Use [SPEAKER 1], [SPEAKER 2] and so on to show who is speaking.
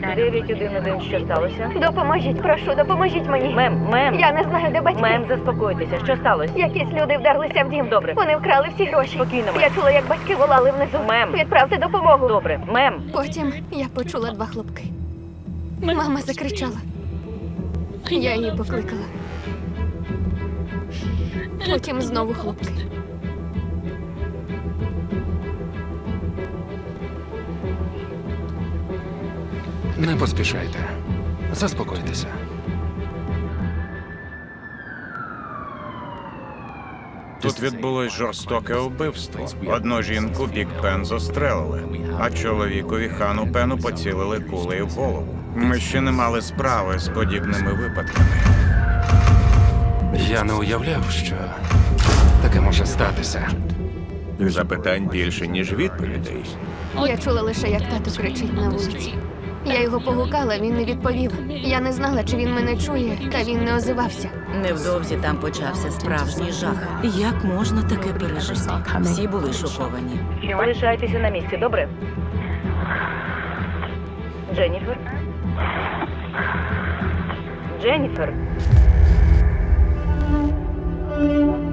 [SPEAKER 1] 911, що сталося?
[SPEAKER 2] Допоможіть, прошу, допоможіть мені.
[SPEAKER 1] Мем,
[SPEAKER 2] Я не знаю, де батьки.
[SPEAKER 1] мем, заспокойтеся. Що сталося?
[SPEAKER 2] Якісь люди вдерлися в дім.
[SPEAKER 1] Добре.
[SPEAKER 2] Вони вкрали всі гроші.
[SPEAKER 1] Спокійно, мем.
[SPEAKER 2] Я чула, як батьки волали внизу.
[SPEAKER 1] Мем.
[SPEAKER 2] Відправте допомогу.
[SPEAKER 1] Добре, мем.
[SPEAKER 2] Потім я почула 2 хлопки. Мама закричала. Я її покликала. Потім знову хлопки.
[SPEAKER 3] Не поспішайте. Заспокойтеся.
[SPEAKER 4] Тут відбулось жорстоке вбивство. Одну жінку Бік Пен застрелили, а чоловікові Хану Пену поцілили кулею в голову. Ми ще не мали справи з подібними випадками.
[SPEAKER 3] Я не уявляв, що таке може статися.
[SPEAKER 4] Запитань більше, ніж відповідей.
[SPEAKER 2] Я чула лише, як тато кричить на вулиці. Я його погукала, він не відповів. Я не знала, чи він мене чує, та він не озивався.
[SPEAKER 5] Невдовзі там почався справжній жах. Як можна таке пережити? Всі були шоковані.
[SPEAKER 1] Лишайтеся на місці, добре? Дженніфер? Дженніфер?